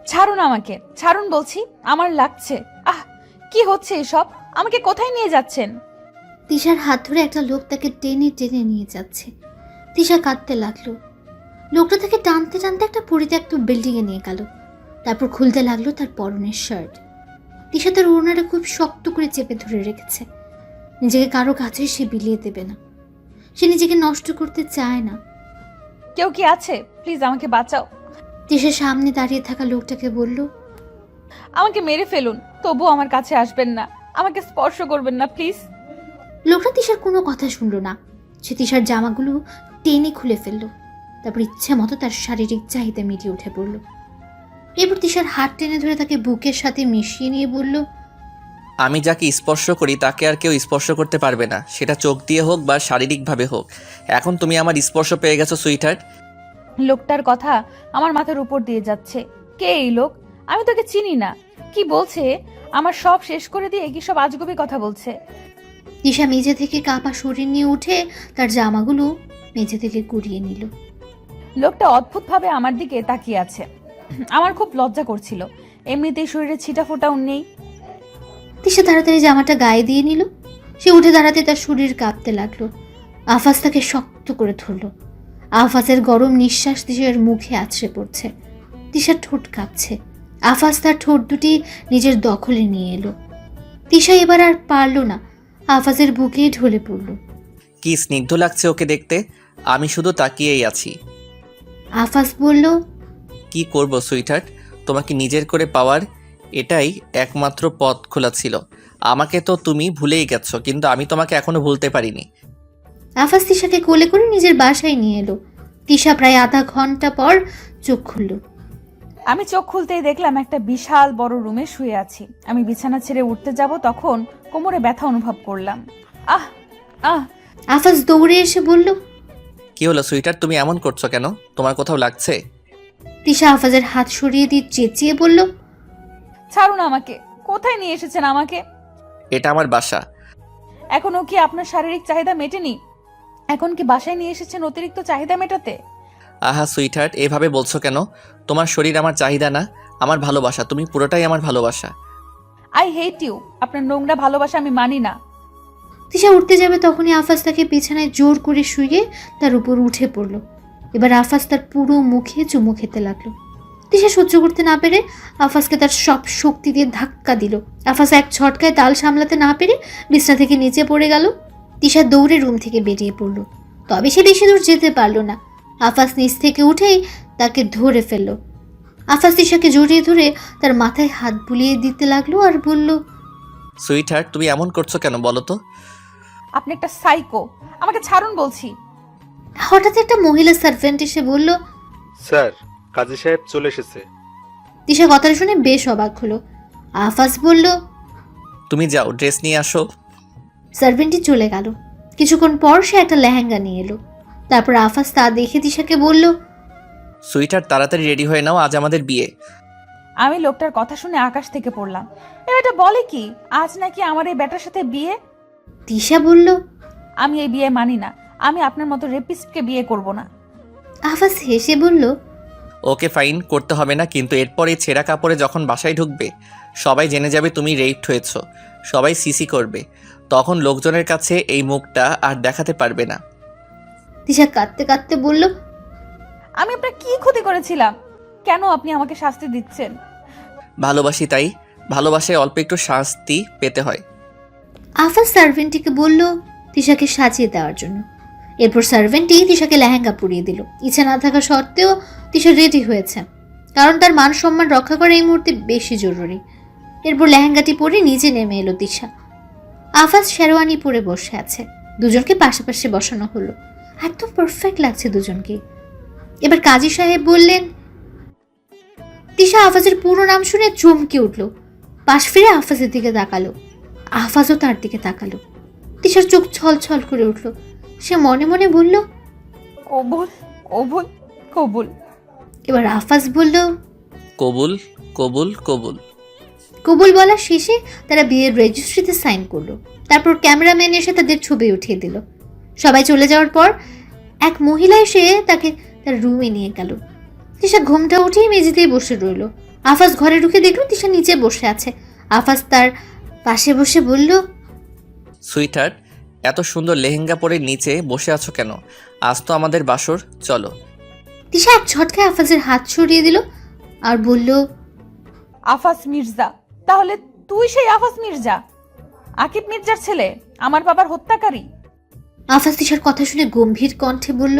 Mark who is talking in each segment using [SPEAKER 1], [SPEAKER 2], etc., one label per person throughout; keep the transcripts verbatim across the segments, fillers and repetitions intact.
[SPEAKER 1] ছাড়ুন আমাকে, ছাড়ুন বলছি, আমার লাগছে। আহ, কি হচ্ছে এসব? আমাকে কোথায় নিয়ে যাচ্ছেন?
[SPEAKER 2] তিশার হাত ধরে একটা লোক তাকে টেনে টেনে নিয়ে যাচ্ছে। তিশা কাঁদতে লাগলো। লোকটা তাকে টানতে টানতে একটা পরিত্যক্ত বিল্ডিংয়ে নিয়ে গেল। তারপর খুলতে লাগলো তার পরনের শার্ট। তিশা তার ওড়নাটা খুব শক্ত করে চেপে ধরে রেখেছে। নিজেকে কারো কাছে সে বিলিয়ে দেবে না। সে নিজেকে নষ্ট করতে চায় না।
[SPEAKER 1] কেউ কি আছে? প্লিজ আমাকে বাঁচাও।
[SPEAKER 2] তিশার সামনে দাঁড়িয়ে থাকা লোকটাকে বলল,
[SPEAKER 1] আমাকে মেরে ফেলুন, তবুও আমার কাছে আসবেন না, আমাকে স্পর্শ করবেন না প্লিজ।
[SPEAKER 2] লোকটা তিশার কোনো কথা শুনল না। সে তিশার জামাগুলো টেনে খুলে ফেলল। তারপর ইচ্ছে মতো তার শারীরিক চাহিদা মিটিয়ে উঠে পড়ল। এরপর তিশার হাত টেনে ধরে তাকে বুকের সাথে মিশিয়ে নিয়ে বলল,
[SPEAKER 3] আমি যাকে স্পর্শ করি তাকে আর কেউ স্পর্শ করতে পারবে না, সেটা চোখ দিয়ে হোক বা শারীরিকভাবে হোক। এখন তুমি আমার স্পর্শ পেয়ে গেছো সুইটহার্ট।
[SPEAKER 1] লোকটার কথা আমার মাথার উপর দিয়ে যাচ্ছে। কে এই লোক? আমি তোকে চিনি না। কি বলছে? আমার সব শেষ করে দিয়ে কি সব আজগুবি কথা বলছে?
[SPEAKER 2] তিশা মেঝে থেকে কাঁপা শরীর নিয়ে উঠে তার জামাগুলো মেঝে থেকে কুড়িয়ে নিল।
[SPEAKER 1] লোকটা অদ্ভুতভাবে আমার দিকে তাকিয়ে আছে। আমার খুব লজ্জা করছিল, এমনিতেই শরীরে ছিটা ফোটাও নেই।
[SPEAKER 2] তিশা তাড়াতাড়ি জামাটা গায়ে দিয়ে নিল। সে উঠে দাঁড়াতে তার শরীর কাঁপতে লাগলো। আফাজ তাকে শক্ত করে ধরল। আফাজের গরম নিঃশ্বাস তিশার মুখে আছড়ে পড়ছে। তিশার ঠোঁট কাঁপছে। আফাজ তার ঠোঁট দুটি নিজের দখলে নিয়ে এলো। তিশা এবার আর পারল না, আফাজের বুকে ঢলে পড়ল।
[SPEAKER 3] কি স্নিগ্ধ লাগছে ওকে দেখতে, আমি শুধু তাকিয়েই আছি।
[SPEAKER 2] আফাজ বলল,
[SPEAKER 3] কি করব সুইটহার্ট, তোমাকে নিজের করে পাওয়ার এটাই একমাত্র পথ খোলা ছিল। আমাকে তো তুমি ভুলেই গেছো, কিন্তু আমি তোমাকে এখনো ভুলতে পারিনি।
[SPEAKER 2] আফাজ তিশাকে কোলে করে নিজের বাসায় নিয়ে এলো। তিশা প্রায় আধা ঘন্টা পর চোখ খুলল।
[SPEAKER 1] আমি চোখ খুলতেই দেখলাম একটা বিশাল বড় রুমে শুয়ে আছি। আমি বিছানা ছেড়ে উঠতে যাব তখন কোমরে ব্যথা অনুভব করলাম। আহ আহ
[SPEAKER 2] আফাজ দৌড়ে এসে বলল,
[SPEAKER 3] কি হলো সুইটহার্ট, তুমি এমন করছো কেন? তোমার কোথাও লাগছে?
[SPEAKER 2] তিশা আফাজের হাত সরিয়ে দিয়ে চেঁচিয়ে বলল,
[SPEAKER 1] ছাড়ুন আমাকে, কোথায় নিয়ে এসেছেন আমাকে?
[SPEAKER 3] এটা আমার বাসা।
[SPEAKER 1] এখনো কি আপনার শারীরিক চাহিদা মেটেনি? এখন কি বাসায় নিয়ে এসেছেন অতিরিক্ত চাহিদা মেটাতে?
[SPEAKER 3] আহা সুইটহার্ট, এভাবে বলছো কেন? তোমার শরীর আমার চাহিদা না, আমার ভালোবাসা। তুমি পুরোটাই আমার ভালোবাসা।
[SPEAKER 1] I hate you. আপনার নোংরা ভালোবাসা আমি মানি না।
[SPEAKER 2] তিশা উঠতে যাবে তখনই আফাজ তাকে বিছানায় জোর করে শুয়ে তার উপর উঠে পড়ল। এবার আফাজ তার পুরো মুখে চুমু খেতে লাগলো। তিশা সহ্য করতে না পেরে আফাজকে তার সব শক্তি দিয়ে ধাক্কা দিল। আফাজ এক ঝটকায় তাল সামলাতে না পেরে বিছানা থেকে নিচে পড়ে গেল। তিশা দৌড়ে রুম থেকে বেরিয়ে পড়ল। তবে সে বেশি দূর যেতে পারল না। আফাজ নিচ থেকে উঠেই তাকে ধরে ফেলল। আফাজ তিশাকে জড়িয়ে ধরে তার মাথায় হাত বুলিয়ে দিতে লাগলো আর বলল,
[SPEAKER 3] সুইটহার্ট, তুমি এমন করছো কেন বলো তো?
[SPEAKER 1] আপনি একটা সাইকো, আমাকে ছাড়ুন বলছি।
[SPEAKER 2] হঠাৎ একটা মহিলা সার্ভেন্ট এসে বলল,
[SPEAKER 4] স্যার, কাজী সাহেব চলে এসেছে।
[SPEAKER 2] তিশা কথাটা শুনে বেশ অবাক হলো। আফাজ বলল,
[SPEAKER 3] তুমি যাও, ড্রেস নিয়ে আসো।
[SPEAKER 2] সার্ভেন্টটি চলে গেল। কিছুক্ষণ পর সে একটা লেহেঙ্গা নিয়ে এলো। তারপর আফাজ তা দেখে তিশাকে বলল,
[SPEAKER 3] সুইটহার্ট, তাড়াতাড়ি রেডি হয়ে নাও, আজ আমাদের বিয়ে।
[SPEAKER 1] আমি লোকটার কথা শুনে আকাশ থেকে পড়লাম। এ বেটা বলে কি, আজ নাকি আমার এই বেটার সাথে বিয়ে?
[SPEAKER 2] তিশা বলল,
[SPEAKER 1] আমি এই বিয়ে মানি না। আমি আপনার মতো রেপিস্টকে বিয়ে করব না।
[SPEAKER 2] আফাজ হেসে বলল,
[SPEAKER 3] ওকে ফাইন, করতে হবে না, কিন্তু এরপর এই ছেঁড়া কাপড়ে যখন বাসায় ঢুকবে সবাই জেনে যাবে তুমি রেপড হয়েছো। সবাই সিসি করবে, তখন লোকজনের কাছে এই মুখটা আর দেখাতে পারবে না।
[SPEAKER 2] তিশা কাঁদতে কাঁদতে বলল,
[SPEAKER 1] আমি আপনার কি ক্ষতি করেছিলাম? কেন আপনি আমাকে শাস্তি দিচ্ছেন?
[SPEAKER 3] ভালোবাসি তাই, ভালোবাসায় অল্প একটু শাস্তি পেতে হয়।
[SPEAKER 2] আফাজ সার্ভেন্টটিকে বলল তিশাকে সাজিয়ে দেওয়ার জন্য। এরপর সার্ভেন্টটি তিশাকে লেহেঙ্গা পরিয়ে দিল। ইচ্ছা না থাকা সত্ত্বেও তিশা রেডি হয়েছে, কারণ তার মান সম্মান রক্ষা করা এই মুহূর্তে বেশি জরুরি। এরপর লেহেঙ্গাটি পরে নিচে নেমে এলো তিশা। আফাজ শেরওয়ানি পরে বসে আছে। দুজনকে পাশাপাশি বসানো হলো। একদম পারফেক্ট লাগছে দুজনকে। এবার কাজী সাহেব বললেন। তিশা আফাজের পুরো নাম শুনে চমকে উঠল। পাশ ফিরে আফাজের দিকে তাকালো। আফাজও তার দিকে তাকালো। তিশার চোখ ছল ছল করে উঠল। সে মনে মনে বলল,
[SPEAKER 1] কবুল কবুল কবুল।
[SPEAKER 2] এবার আফাজ বলল,
[SPEAKER 3] কবুল কবুল কবুল।
[SPEAKER 2] কবুল বলা শেষে তারা বিয়ের রেজিস্ট্রিতে সাইন করলো। তারপর ক্যামেরাম্যান এসে তাদের ছবি উঠিয়ে দিল। সবাই চলে যাওয়ার পর এক মহিলা এসে তাকে তার রুমে নিয়ে গেল। তিশা ঘুমটা উঠিয়ে মেঝেতেই বসে রইল। আফাজ ঘরে ঢুকে দেখলো তিশা নিচে বসে আছে। আফাজ তার পাশে বসে বলল,
[SPEAKER 3] সুইটহার্ট, এত সুন্দর লেহেঙ্গা পরে নিচে বসে আছো কেন? আজ তো আমাদের বাসর, চলো।
[SPEAKER 2] তিশা এক ঝটকায় আফাজের হাত সরিয়ে দিল আর বলল,
[SPEAKER 1] আফাস মির্জা? তাহলে তুই সেই আফাস মির্জা, আকিব মির্জার ছেলে, আমার বাবার হত্যাকারী?
[SPEAKER 2] আফাজ তিশার কথা শুনে গম্ভীর কণ্ঠে বলল,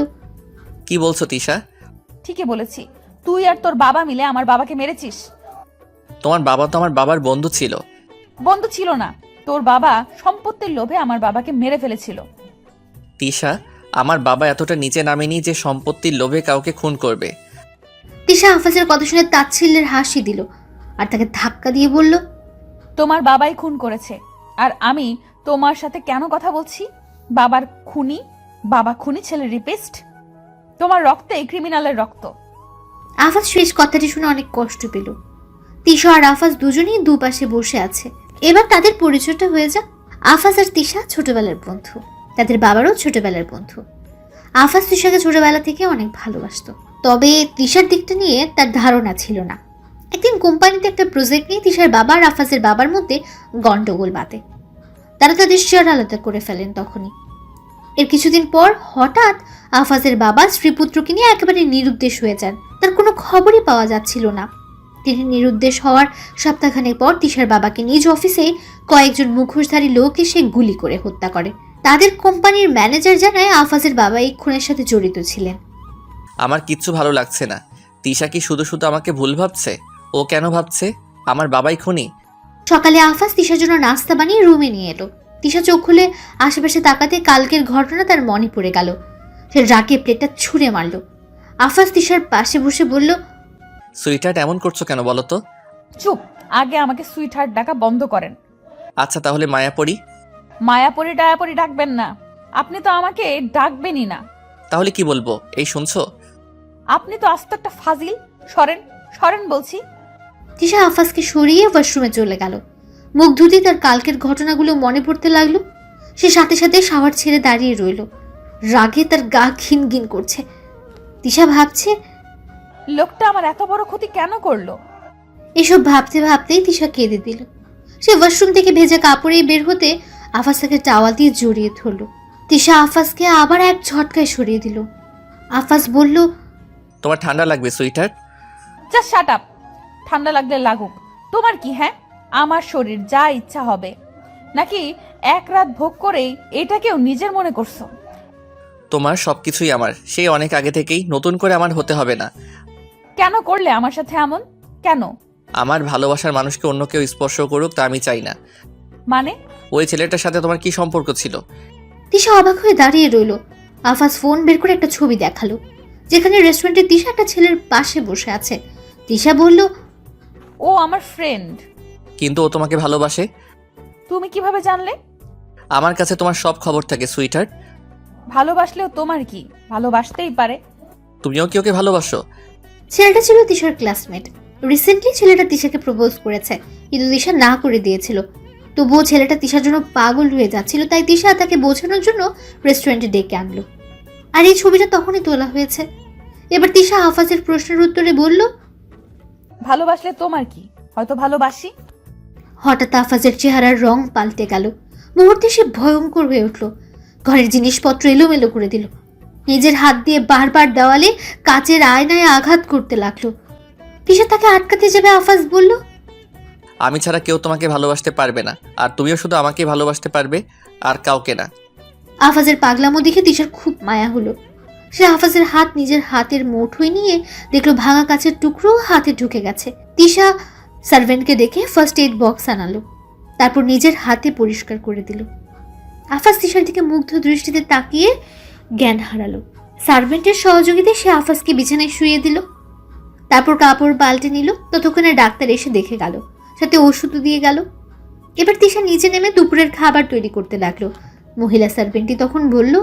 [SPEAKER 3] কি বলছো তিশা?
[SPEAKER 1] ঠিকই বলেছি, তুই আর তোর বাবা মিলে আমার বাবাকে মেরেছিস।
[SPEAKER 3] তোমার বাবা তো আমার বাবার বন্ধু ছিল।
[SPEAKER 1] বন্ধু ছিল না, তোর বাবা সম্পত্তির লোভে আমার বাবাকে মেরে ফেলেছিল।
[SPEAKER 3] তিশা, আমার বাবা এতটা নিচে নামেনি যে সম্পত্তির লোভে কাউকে খুন করবে।
[SPEAKER 2] তিশা আফাজের কথা শুনে তাচ্ছিল্যের হাসি দিল আর তাকে ধাক্কা দিয়ে বলল,
[SPEAKER 1] তোমার বাবাই খুন করেছে, আর আমি তোমার সাথে কেন কথা বলছি? বাবার খুনি, বাবা খুনি, ছেলে রিপিস্ট। তোমার রক্তে ক্রিমিনালের রক্ত।
[SPEAKER 2] আফাজ শেষ কথাটি শুনে অনেক কষ্ট পেল। তিশা আর আফাজ দুজনেই দুপাশে বসে আছে। এবার তাদের পরিচয়টা হয়ে যাক। আফাজ আর তিশা ছোটবেলার বন্ধু, তাদের বাবারও ছোটবেলার বন্ধু। আফাজ তিশাকে ছোটবেলা থেকে অনেক ভালোবাসতো, তবে তিশার দিকটা নিয়ে তার ধারণা ছিল না। একদিন কোম্পানিতে একটা প্রজেক্ট নিয়ে তিশার বাবা আর আফাজের বাবার মধ্যে গন্ডগোল বাঁধে। তারা তাদের শেয়ার আলাদা করে ফেলেন। তখনই এর কিছুদিন পর হঠাৎ আফাজের বাবা স্ত্রীপুত্রকে নিয়ে একেবারে নিরুদ্দেশ হয়ে যান। তার কোনো খবরই পাওয়া যাচ্ছিল না। তিনি নিরুদ্দেশ হওয়ার সপ্তাহখানেক পর তিশার বাবাকে নিজ অফিসে কয়েকজন মুখোশধারী লোক এসে গুলি করে হত্যা করে। তাদের কোম্পানির ম্যানেজার জানায় আফাজের বাবা এই খুনের সাথে জড়িত ছিলেন।
[SPEAKER 3] আমার কিচ্ছু ভালো লাগছে না। তিশা কি শুধু শুধু আমাকে ভুল ভাবছে? ও কেন ভাবছে আমার বাবাই খুনি?
[SPEAKER 2] সকালে আফাজ তিশার জন্য নাস্তা বানিয়ে রুমে নিয়ে এলো। তিশা চোখ খুলে আশেপাশে তাকাতে কালকের ঘটনা তার মনে পড়ে গেল। সে রাগে প্লেটটা ছুঁড়ে মারল। আফাজ তিশার পাশে বসে বলল,
[SPEAKER 3] সুইটহার্ট, এমন করছো কেন বলো তো?
[SPEAKER 1] চুপ, আগে আমাকে সুইটহার্ট ডাকা বন্ধ করেন।
[SPEAKER 3] আচ্ছা তাহলে মায়াপরি?
[SPEAKER 1] মায়াপরি টায়াপরি ডাকবেন না, আপনি তো আমাকে ডাকবেনই না।
[SPEAKER 3] তাহলে কি বলবো? এই শুনছো?
[SPEAKER 1] আপনি তো আস্ত একটা ফাজিল। সরেন, সরেন বলছি।
[SPEAKER 2] তিশা আফাজকে সরিয়ে ওয়াশরুমে চলে গেল। মুখ ধুতে তার কালকের ঘটনাগুলো মনে পড়তে লাগলো। সে সাথে সাথে শাওয়ার ছেড়ে দাঁড়িয়ে রইল। রাগে তার গা ঘিন ঘিন করছে। তিশা ভাবছে,
[SPEAKER 1] লোকটা আমার এত বড় ক্ষতি কেন করলো?
[SPEAKER 2] এসব ভাবতে ভাবতেই তিশা কেঁদে দিল। সে ওয়াশরুম থেকে ভেজা কাপড়ে বের হতে আফাজ তাকে টাওয়াল দিয়ে জড়িয়ে ধরল। তিশা আফাজকে আবার এক ঝটকায় সরিয়ে দিল। আফাজ বলল,
[SPEAKER 3] তোমার ঠান্ডা লাগবে সুইটহার্ট।
[SPEAKER 1] Just shut up. ঠান্ডা লাগলে লাগুক, তোমার কি? হ্যাঁ, আমার শরীর যা ইচ্ছা হবে, নাকি এক রাত ভোগ করেই এটাকেও নিজের মনে করছো?
[SPEAKER 3] তোমার সবকিছুই আমার, সেই অনেক আগে থেকেই, নতুন করে আমার হতে হবে না।
[SPEAKER 1] কেন করলে আমার সাথে এমন? কেন?
[SPEAKER 3] আমার ভালোবাসার মানুষকে অন্য কেউ স্পর্শ করুক তা আমি চাই না।
[SPEAKER 1] মানে?
[SPEAKER 3] ওই ছেলেটার সাথে তোমার কি সম্পর্ক ছিল?
[SPEAKER 2] তিশা অবাক হয়ে দাঁড়িয়ে রইল। আফাজ ফোন বের করে একটা ছবি দেখালো, যেখানে রেস্টুরেন্টে তিশা একটা ছেলের পাশে বসে আছে। তিশা বলল,
[SPEAKER 1] ও আমার ফ্রেন্ড।
[SPEAKER 3] কিন্তু ও তোমাকে ভালোবাসে।
[SPEAKER 1] তুমি কিভাবে জানলে?
[SPEAKER 3] আমার কাছে তোমার সব খবর থাকে সুইটহার্ট।
[SPEAKER 1] ভালোবাসলেও তোমার কি? ভালোবাসতেই পারে।
[SPEAKER 3] তুমিও কি ওকে ভালোবাসো?
[SPEAKER 2] ছেলেটা ছিল তিশার ক্লাসমেট। রিসেন্টলি ছেলেটা তিশাকে প্রপোজ করেছে, কিন্তু তিশা না করে দিয়েছিল। তবুও ছেলেটা তিশার জন্য পাগল হয়ে যাচ্ছিল, তাই তিশা তাকে বোঝানোর জন্য রেস্টুরেন্টে ডেকে আনলো। আর এই ছবিটা তখনই তোলা হয়েছে। এবার তিশা আফাজের প্রশ্নের উত্তরে বলল,
[SPEAKER 1] ভালোবাসলে তোমার কি? হয়তো ভালোবাসি।
[SPEAKER 2] হঠাৎ আফাজের চেহারার রং পাল্টে গেল। মুহূর্তে সে ভয়ঙ্কর হয়ে উঠল। ঘরের জিনিসপত্র এলোমেলো করে দিল। নিজের হাত দিয়ে বারবার দেওয়ালে কাচের আয়নায় আঘাত করতে লাগলো। তিশা তাকে আটকাতে যাবে, আফাজ বলল,
[SPEAKER 3] আমি ছাড়া কেউ তোমাকে ভালোবাসতে পারবে না, আর তুমিও শুধু আমাকেই ভালোবাসতে পারবে, আর কাউকে না।
[SPEAKER 2] আফাজের পাগলামো দেখে তিশার খুব মায়া হলো। সে আফাজের হাত নিজের হাতের মুঠোয় নিয়ে দেখলো ভাঙা কাচের টুকরো হাতে ঢুকে গেছে। তিশা সার্ভেন্টকে ডেকে ফার্স্ট এইড বক্স আনালো, তারপর নিজের হাতে পরিষ্কার করে দিল। আফাজ তিশার দিকে মুগ্ধ দৃষ্টিতে তাকিয়ে জ্ঞান হারালো। সার্ভেন্টের সহযোগিতায় সে আফাজকে বিছানায় শুয়ে দিল, তারপর কাপড় পাল্টে নিল। ততক্ষণে ডাক্তার এসে দেখে গেল, সাথে ওষুধও দিয়ে গেল। এবার তিশা নিচে নেমে দুপুরের খাবার তৈরি করতে লাগলো। মহিলা সার্ভেন্টটি তখন বলল,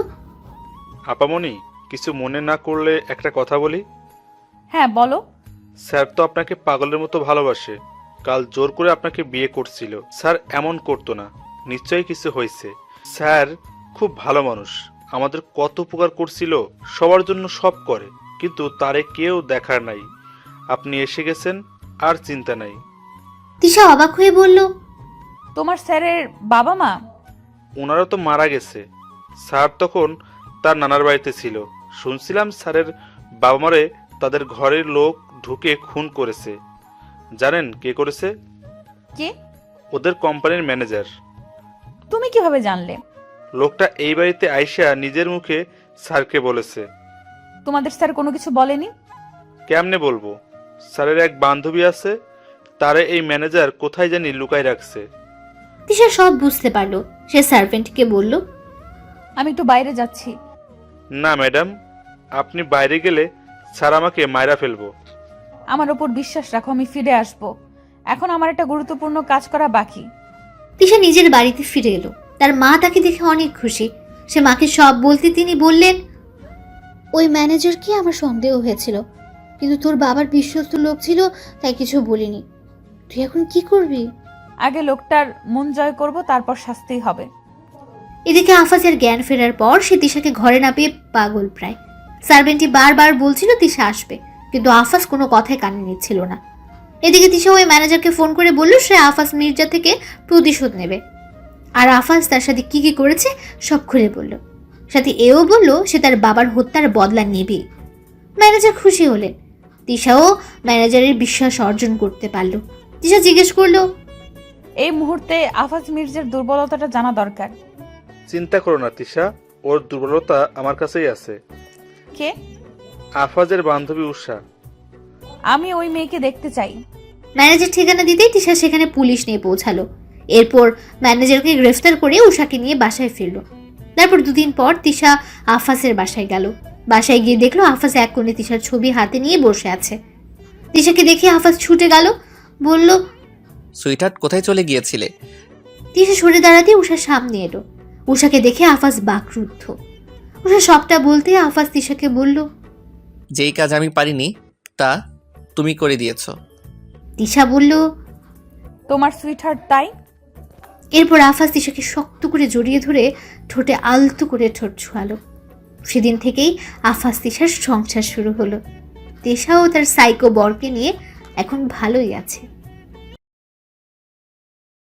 [SPEAKER 4] আপামনি, কিছু মনে না করলে একটা কথা বলি।
[SPEAKER 1] হ্যাঁ বলো।
[SPEAKER 4] স্যার তো আপনাকে পাগলের মতো ভালোবাসে। কাল জোর করে আপনাকে বিয়ে করছিল। স্যার এমন করতো না, নিশ্চয়ই কিছু হয়েছে। স্যার খুব ভালো মানুষ, আমাদের কত উপকার করছিল, সবার জন্য সব করে, কিন্তু তারে কেউ দেখার নাই। আপনি এসে গেছেন, আর চিন্তা নাই।
[SPEAKER 2] তিশা অবাক হয়ে বলল,
[SPEAKER 1] তোমার স্যারের বাবা মা?
[SPEAKER 4] ওনারা তো মারা গেছে। স্যার তখন তার নানার বাড়িতে ছিল। শুনছিলাম স্যারের বাবা মারে তাদের ঘরের লোক ঢুকে খুন করেছে। জানেন কে করেছে?
[SPEAKER 1] কে?
[SPEAKER 4] ওদের কোম্পানির ম্যানেজার।
[SPEAKER 1] তুমি কিভাবে জানলে?
[SPEAKER 4] লোকটা এই বাড়িতে আইসা নিজের মুখে স্যারকে বলেছে।
[SPEAKER 1] তোমাদের স্যার কোনো কিছু বলেনি?
[SPEAKER 4] কেমনে বলবো? স্যারের এক বান্ধবী আছে, তারে এই ম্যানেজার কোথায় জানি লুকায় রাখছে।
[SPEAKER 2] তিশা সব বুঝতে পারলো। সে সার্ভেন্টকে বলল,
[SPEAKER 1] আমি একটু বাইরে যাচ্ছি।
[SPEAKER 4] না ম্যাডাম, আপনি বাইরে গেলে স্যার আমাকে মাইরা ফেলবো।
[SPEAKER 1] আমার ওপর বিশ্বাস রাখো, আমি ফিরে আসব। এখন আমার একটা গুরুত্বপূর্ণ কাজ করা বাকি।
[SPEAKER 2] তিশা নিজের বাড়িতে ফিরে এলো। তার মা তাকে দেখে অনেক খুশি। সে মাকে সব বলতে তিনি বললেন, ওই ম্যানেজারকে আমার সন্দেহ হয়েছিল, কিন্তু তোর বাবার বিশ্বস্ত লোক ছিল, তাই কিছু বলিনি। তুই এখন কি করবি?
[SPEAKER 1] আগে লোকটার মন জয় করব, তারপর শাস্তি হবে।
[SPEAKER 2] এদিকে আফাজের জ্ঞান ফেরার পর সে তিশাকে ঘরে না পেয়ে পাগল প্রায়। সার্ভেন্টটি বারবার বলছিল তিশা আসবে, কিন্তু আফাজ কোনো কথায় কানে নিচ্ছিল না। এদিকে তিশা ওই ম্যানেজারকে ফোন করে বলল সে আফাজ মির্জা থেকে প্রতিশোধ নেবে, আর আফাজ তার সাথে কি কি করেছে সব খুলে বলল। সাথে এও বলল সে তার বাবার হত্যার বদলা নেবে। ম্যানেজার খুশি হলেন। তিশাও ম্যানেজারের বিশ্বাস অর্জন করতে পারল। তিশা জিজ্ঞেস করলো,
[SPEAKER 1] এই মুহূর্তে আফাজ মির্জার দুর্বলতাটা জানা দরকার।
[SPEAKER 4] চিন্তা করো না তিশা, ওর দুর্বলতা আমার কাছেই আছে।
[SPEAKER 1] কে?
[SPEAKER 4] আফাজের বান্ধবী উষা।
[SPEAKER 1] আমি ওই মেয়েকে দেখতে চাই।
[SPEAKER 2] ম্যানেজার ঠিকানা দিতেই তিশা সেখানে পুলিশ নিয়ে পৌঁছালো। এরপর ম্যানেজারকে গ্রেফতার করে উষাকে নিয়ে বাসায় ফিরল। তারপর দুদিন পর তিশা আফাজের বাসায় গেল। বাসায় গিয়ে দেখলো আফাজ এক কোণে তিশার ছবি হাতে নিয়ে বসে আছে। তিশাকে দেখে আফাজ ছুটে গেল, বলল,
[SPEAKER 3] সুইটহার্ট, কোথায় চলে গিয়েছিলে?
[SPEAKER 2] তিশা সরে দাঁড়াতে উষার সামনে এলো। উষাকে দেখে আফাজ বাকরুদ্ধ। উষা সবটা বলতে আফাজ তিশাকে বলল,
[SPEAKER 3] যেই কাজ আমি পারিনি তা তুমি করে দিয়েছো।
[SPEAKER 2] তিশা বলল,
[SPEAKER 1] তোমার সুইটহার্ট তাই?
[SPEAKER 2] এরপর আফাজ তিশাকে শক্ত করে জড়িয়ে ধরে ঠোঁটে আলতো করে ঠোঁট ছোঁয়ালো। সেদিন থেকেই আফাজ তিশার সংসার শুরু হলো। তিশাও তার সাইকো বরকে নিয়ে এখন ভালোই আছে।